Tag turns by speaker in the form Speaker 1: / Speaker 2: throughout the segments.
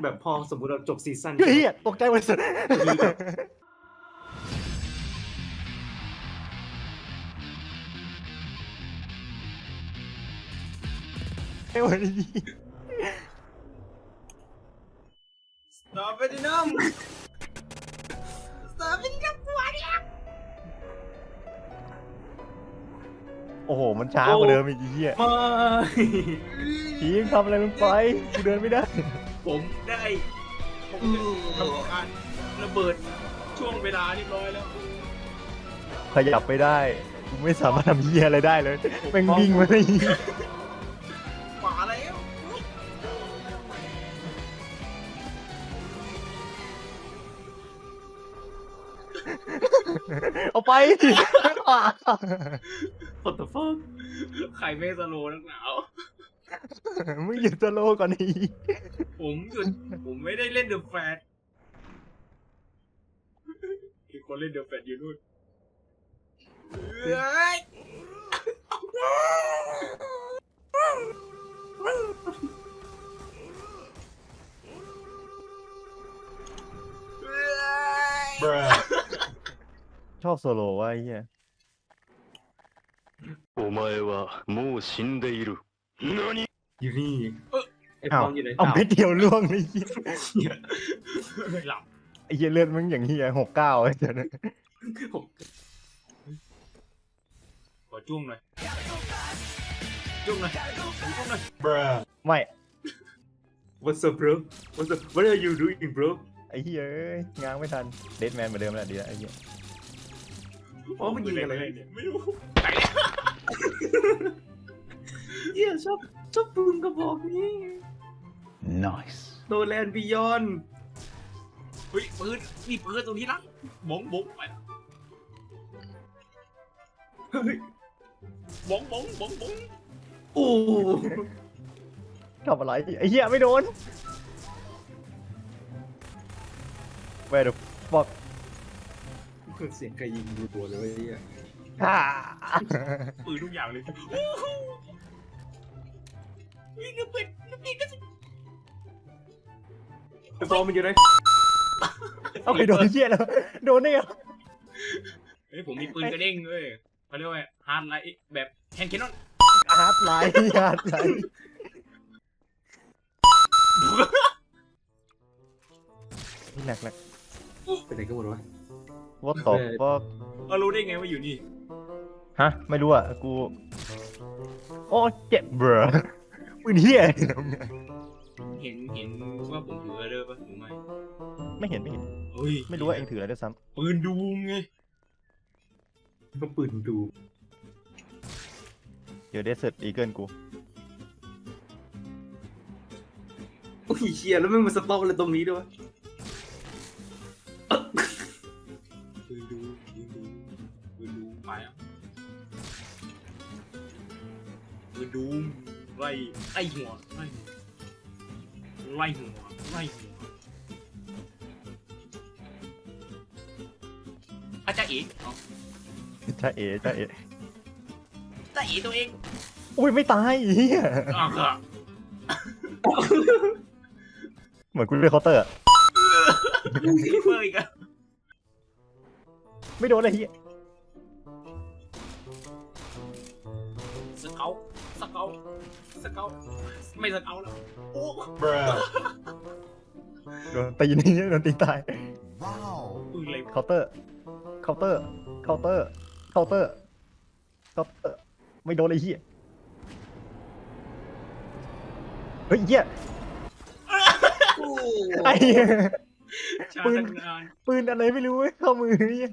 Speaker 1: แบบพอสมมติเราจบซีซั่น
Speaker 2: เฮ้ยตกใจหมดสุดไอ้วันนี้
Speaker 1: สตาร์เวดินัมสตาร์เวดินัมตัวเนี้ย
Speaker 2: โอ้โหมันช้ากว่าเดิมอีกเหี้ย
Speaker 1: มา
Speaker 2: ทีมทำอะไรลงไปกูเดินไม่ได้
Speaker 1: ผมได้ทำการระเบิดช่วงเวลาเรียบร้อยแล้ว
Speaker 2: ขยับไม่ได้กูไม่สามารถทำเหี้ยอะไรได้เลยแม่งวิ่งมาได้
Speaker 1: ขวาแล้ว
Speaker 2: เอาไป
Speaker 1: What the fuck ใครไม่สโลว์นักหนาว
Speaker 2: มึงหยุดสโลว์ก่อนอี
Speaker 1: ผมหยุดผมไม่ได้เล่นเดอะแฟตอีกคนเล่นเดอะแฟตอยู่นู่นเฮ้ย
Speaker 2: ชอบโซโลว่ะไอ้เหี้ย
Speaker 3: お前はもう死んでいる。何
Speaker 1: อยู่นี่ไอ้ฟ
Speaker 2: อ้าว
Speaker 1: องอยู่ไหน
Speaker 2: เอาเม็ดเดียวล่วงไอ้เหี้ย
Speaker 1: เหี้ยหลับ
Speaker 2: ไอ้เหี้ยเลือดมึงอย่างเหี้ย69ไอ้เจ้าเนี่ย
Speaker 1: ผมขอจุ้งหน่อยจุ้งหน่อยจุ้งหน่อย
Speaker 2: ไม่
Speaker 1: What's up bro What's up What are you doing bro
Speaker 2: ไอ้เหี้ยเอ้ยง้างไม่ทันเดดแมนเหมือนเดิมแหละดีแล้วไอ้เหี้ย
Speaker 1: อ๋อมันยิงอะไรเนี่ยไม่รู้ไหนเหี้ยชอบปืนกระบอกนี้
Speaker 2: nice
Speaker 1: โนแลนบิยอนเฮ้ยปืนนี่ปืนตรงนี้นะบงบงไปเฮ้ยบงบงบงบงโอ้
Speaker 2: ทำอะไรไอ้เหี้ยไม่โดน Where the fuck
Speaker 1: เสียงใครยิงดูตัวเลยเหี้ย
Speaker 2: ฮ่า
Speaker 1: ปืนทุกอย่างเลยวิ่งกระเป็ดวิ่งกระสิไอ้ฟอมันอยู่ไหน
Speaker 2: เอาไปโดนเหี้ยแล้วโดนได้ไง
Speaker 1: เฮ้ยผมมีปืนกระเด้งเลยเขาเรียกว่าฮาร์ดไลท์แบบแฮนด์แคนนอน
Speaker 2: ฮาร์ดไลท์ฮาร์ดไลท์หนัก
Speaker 1: เป็นไรกันหมดวะ
Speaker 2: What the fuck
Speaker 1: เรารู้ได้ไงว่าอยู่นี่
Speaker 2: ฮะไม่รู้อ่ะกูโอ้เจ็บเบรอปืนเหี้ย
Speaker 1: เห็นว่าผมถืออะไรปะหรือไม่
Speaker 2: ไม่เห็น
Speaker 1: เฮ้ย
Speaker 2: ไม่รู้ว่าเองถืออะไรด้วยซ้
Speaker 1: ปืนดูมไงก็ปืนดู
Speaker 2: ำเดี๋ยวเดสเซอร์อีเกิลกู
Speaker 1: โอ้ยเชียแล้วไม่มาสต็อกอะไรตรงนี้ด้วยปืนดูไปอ่ะปืนดูไล่หัวอาจารย์เอ๋
Speaker 2: จ้าเอ๋
Speaker 1: จ้าเอ๋ตัวเอง
Speaker 2: อุ้ยไม่ตายเหี้ย
Speaker 1: อ่ะค่ะ
Speaker 2: เหมือนกูเลือกเคาน์เตอร์อะ
Speaker 1: เพิ่มอีกอ่ะ
Speaker 2: ไม่โดนอะไรเหี้ย
Speaker 1: สเกลไม่สเกลแล้วโอ้
Speaker 2: โดนตีนี่โดนตีตาย
Speaker 1: ปืนอะไร
Speaker 2: เคาน์เตอร์ไม่โดนไอ้เหี้ยเฮ้ยเหี้ยไอ้เหี้ย
Speaker 1: ชา
Speaker 2: ปืน
Speaker 1: ตั้งนาน
Speaker 2: ปืนอะไรไม่รู้เว้ยเข้ามือเนี่ย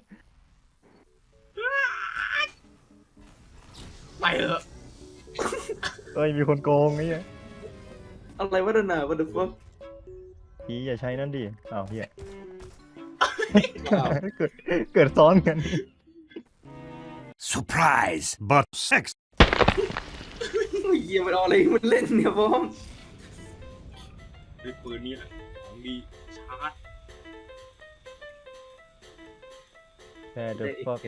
Speaker 1: ไปเถอะ
Speaker 2: เอ้ยมีคนโกงไอ้เหี้ย
Speaker 1: อะไรวะนั่นน่ะ what the fuck
Speaker 2: พี่อย่าใช้นั่นดิอ้าวเหี้ยเกิดซ้อนกัน
Speaker 4: Surprise, but sex.
Speaker 1: เยี่ยมันเอาอะไรมันเล่นเนี่ยพ่อมด้วยปืนนี้แหละของดีชาร์จ
Speaker 2: แต่เดอะฟัก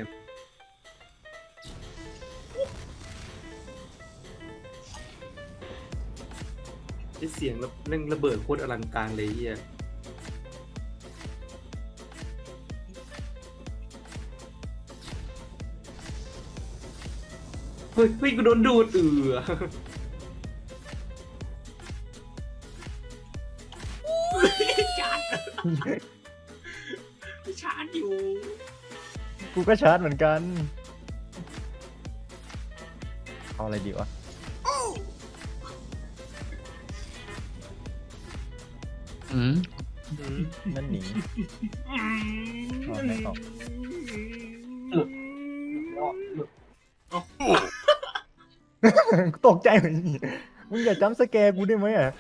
Speaker 1: อ้เสียงเร่งระเบิดโคตรอลังการเลยเฮียเฮ้ยกูโดนดูดชาร์จอยู่
Speaker 2: กูก็ชาร์จเหมือนกันเอาอะไรดีวะนั่นหนีเอาไหนต่อตกใจเหมือนนี่มึงอย่าจำสแกร์กูได้ไหมอ่ะ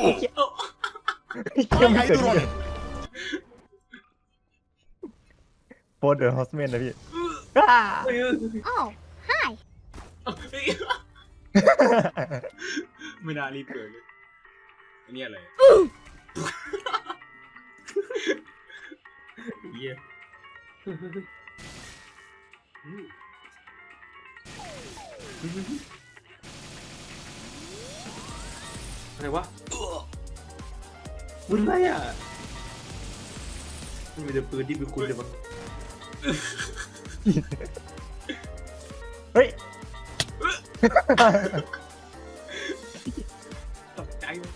Speaker 2: เกี่ยไม่เกิดขึ้นโฟร์เดอร์ฮอสเมนนะพี่
Speaker 5: Oh, hi.
Speaker 1: ไม่น่ารีบเกิดเลยอันนี้อะไรเหี้ยอะไรวะมึงอะไรอ่ะมันมีแต่ปืนที่มีคุณเลยมั้ง
Speaker 2: เฮ้ย
Speaker 1: ตกใจเลย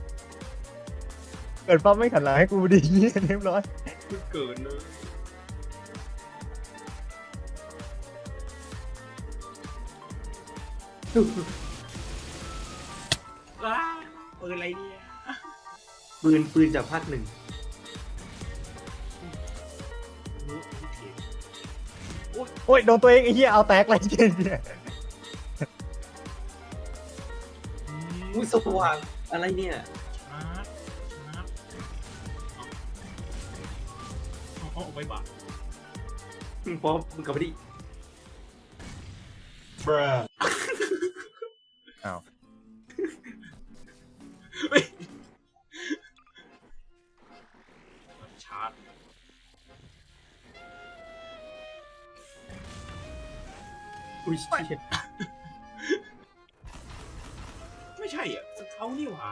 Speaker 2: เกิดปั๊บไม่ขันหลังให้กูดีเรียบร้อย
Speaker 1: เพิ่งเกิดเลยว้าปืนอะไรเนี่ยปืนจากภาคหนึ่ง
Speaker 2: โอ้ยโดนตัวเองไอ้เหี้ยเอาแตกอะไรเจ๊เนี่ย
Speaker 1: อุ้ยสว่างอะไรเนี่ยเอาไปบ้าพอมึงกลับมาดิ
Speaker 2: อ้าว
Speaker 1: ชาร์จอุ้ยไม่ใช่อ่ะสเขานี่หว่า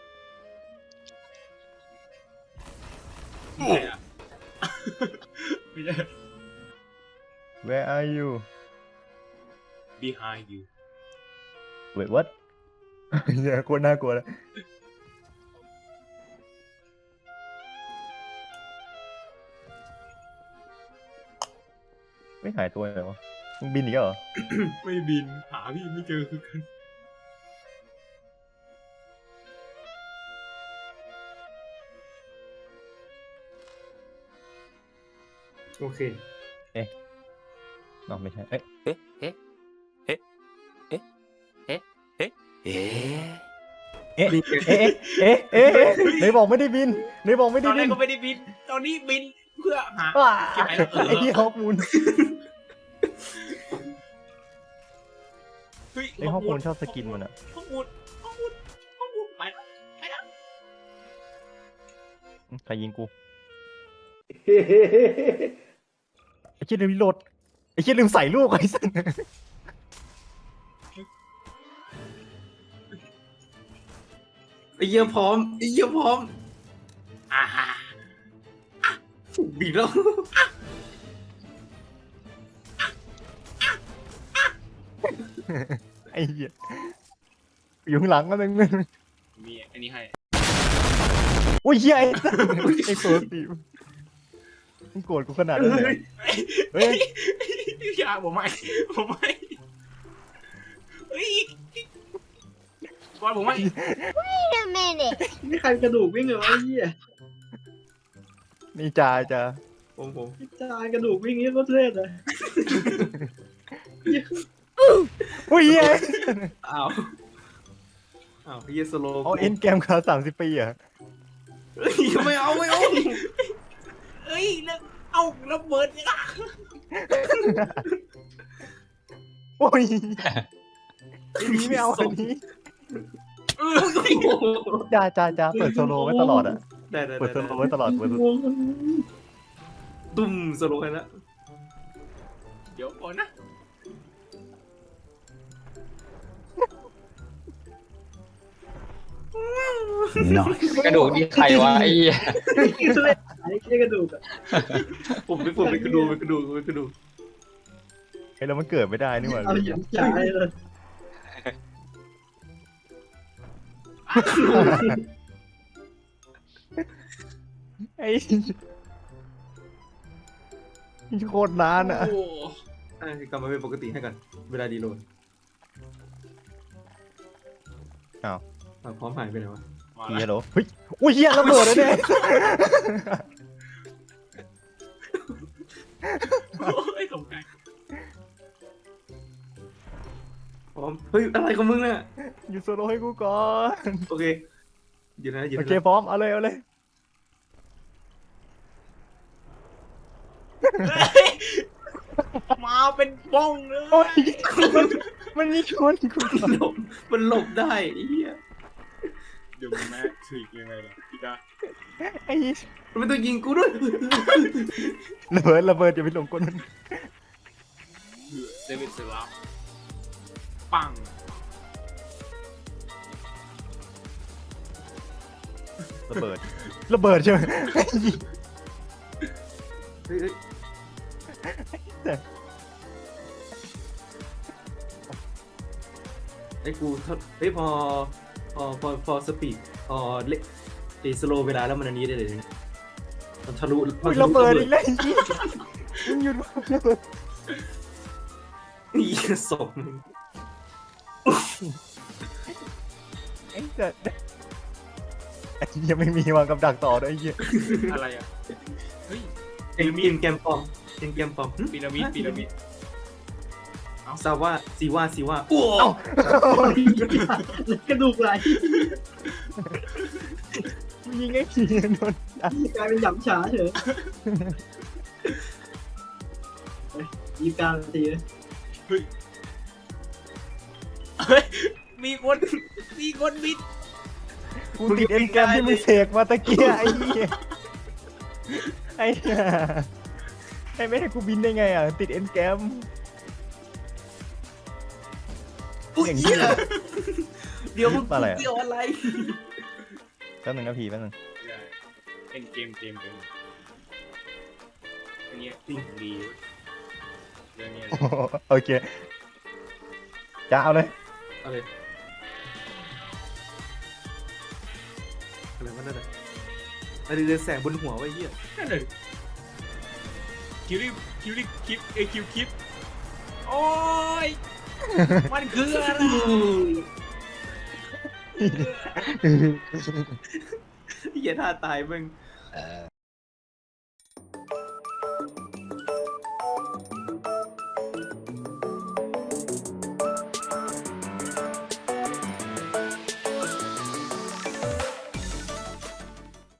Speaker 1: ไม่ใช่อ่ะไม่ใช่
Speaker 2: Where are you
Speaker 1: behind you
Speaker 2: Wait what เหี้ยโคตรน่ากลัวเลยไม่หายตัวเลยวะมึงบินอีกแล้วเหรอ
Speaker 1: ไม่บินหาพี่ไม่เจอคือกันโอเค
Speaker 2: น้องไม่ใช่เอ้ย
Speaker 3: えええええええ
Speaker 2: เอ๊ะเอ๊ะเอ๊ะเอ๊ะเอ๊ะไหนบอกไม่ได้บินไหนบอกไม่
Speaker 1: ต
Speaker 2: ได้
Speaker 1: อนแร
Speaker 2: บิ
Speaker 1: ก
Speaker 2: น
Speaker 1: ก็ไม่ได้บินตอนนี้บินเพื่อหา
Speaker 2: ว้า
Speaker 1: เก็บไว้แล้ว
Speaker 2: ไอ้ที่ฮอปมูล
Speaker 1: เฮ้ย
Speaker 2: ไอ้ฮอปมูลชอบสกินมันอะ
Speaker 1: ฮอปมูลไปแล้วไปแล้ว
Speaker 2: ใครยิงกูไอ้เชี่ยลืมรีโหลดไอ้เชี่ยลืมใส่ลูกไอ้สัส
Speaker 1: ไอ้เยี่ยพร้อมไอ้เยี่ยพร้อมอ่าฮะบินแล้ว
Speaker 2: ไอ้เหี้ยอยู่ข้างหลังก็นึง
Speaker 1: มีอันนี้ให้
Speaker 2: โอ้ยเหี้ยไอ้สัสไอ้ตัวตีมึงโกรธกูขนาดนั้นเลยเฮ้ย
Speaker 1: อย่าผมไม่เฮ้ยบอลผมไม่
Speaker 5: Wait a minute.
Speaker 1: นี่ใครกระดูกวิ่งเหรอไอ้เหี้ย
Speaker 2: นี่จ่าจ่า
Speaker 1: ผมจานกระดูกวิ่งนี่ก็เท่เลย
Speaker 2: โอ้ยเหี้ย
Speaker 1: อ้าวเหี้ยสโล
Speaker 2: เอาเอ็นเกมคา30 ปีอ่ะ
Speaker 1: เฮ้ยไม่เอาเฮ้ยแล้วเอาระเบิดเนี่ย
Speaker 2: โอ้ยอันนี้ไม่เอาอันนี้จ่าเปิดโซโลไว้ตลอดอ่ะ
Speaker 1: ได้
Speaker 2: เปิดโซโลไว้ตลอดเปิด
Speaker 1: ตุ้มสโลให้แล้วเดี๋ยวก่อนนะ
Speaker 4: Nice.
Speaker 6: กระดูกนี่ใครวะไอ้เหี้ย
Speaker 7: เล่นไอ้เหี้ยกระดูกอะ
Speaker 1: ผมไปกระดูก
Speaker 2: ไอ้แล้วมันเกิดไม่ได้นี่หว่า
Speaker 7: เอาหยิบจ่ายเลย
Speaker 2: ไอ้โคตรนานอ่ะ
Speaker 1: โอ้กลับมาเป็นปกติให้กันเวลาดีโหลด
Speaker 2: อ้าว
Speaker 1: พร้อมหายไปไหนวะ
Speaker 2: เฮียโหลเฮ้ยอุ้ยเฮียระเบิดเลยเนี่ย
Speaker 1: ไอ้สมใจพร้อมเฮ้ยอะไรของมึงเนี่ย
Speaker 2: หยุดโซโลให้กูก่อน
Speaker 1: โอเคหยุดนะหยุด
Speaker 2: โอ
Speaker 1: นะ
Speaker 2: เคพร้อมเอาเลยเอาเลย
Speaker 3: มาเป็นบ้องเลย
Speaker 2: โอ้ยมันมีชนกูก่อน
Speaker 1: มันหลบได้ไอ้เหี้ย
Speaker 3: เดี๋ยวแม่ถึกยังไงล่ะพี่ดา
Speaker 2: ไอ้
Speaker 1: มันต้องยิงกูด้วย
Speaker 2: ระเบิดอย่าไปหลงกลมัน
Speaker 3: เดวิดเซลาปัง
Speaker 2: ระเบิดใช่ไหม
Speaker 1: เฮ้ยไอ้กูเฮ้ยพอสปีดพอเล็กสโลเวลาแล้วมันอันนี้ได้เลยมันทะลุ
Speaker 2: อุ้ยระเบิดอีกแล้วมึงหยุดระเบิด
Speaker 1: นี่ศพมึง
Speaker 2: ไอ้สัสยังไม่มีวางกับดักต่อด้วยไอ้เหี้ย
Speaker 3: อะไรอ่ะเฮ้ย
Speaker 1: เกมแกมปอมหึ
Speaker 3: พีระมิด
Speaker 1: ซาว่าซีว่าโอ้
Speaker 7: กระดูกไหล
Speaker 2: ยิงไอ้ผีโดน
Speaker 7: กลายเป็นหยำฉาเฉยยีบกลางตีเลย
Speaker 3: มีคนบิด
Speaker 2: กูติดเอ็นแกรมที่มึงเสกมาตะเกียไอ้เหี้ยไอ้เหี้ยไอ้ไม่ให้กูบินได้ไงอ่ะติดเอ็นแกรมอย่างนี้เลย
Speaker 1: เดี๋ยวมึง
Speaker 2: อะไรอะ
Speaker 1: เกี่ยวอะไร
Speaker 2: แป๊บนึงนะพี่แป๊บนึง
Speaker 3: เป็นเกมอันนี้จริงดีเรื่องนี้
Speaker 2: โอเคจะเอาเลย
Speaker 1: อะไรวะนั่นน่ะอะไรเรืองแสงบนหัวไว้เหี้ย
Speaker 3: นั่นเลยคิวคลิปโอ้ยมันคืออะไร
Speaker 1: เหี้ยท่าตายมึง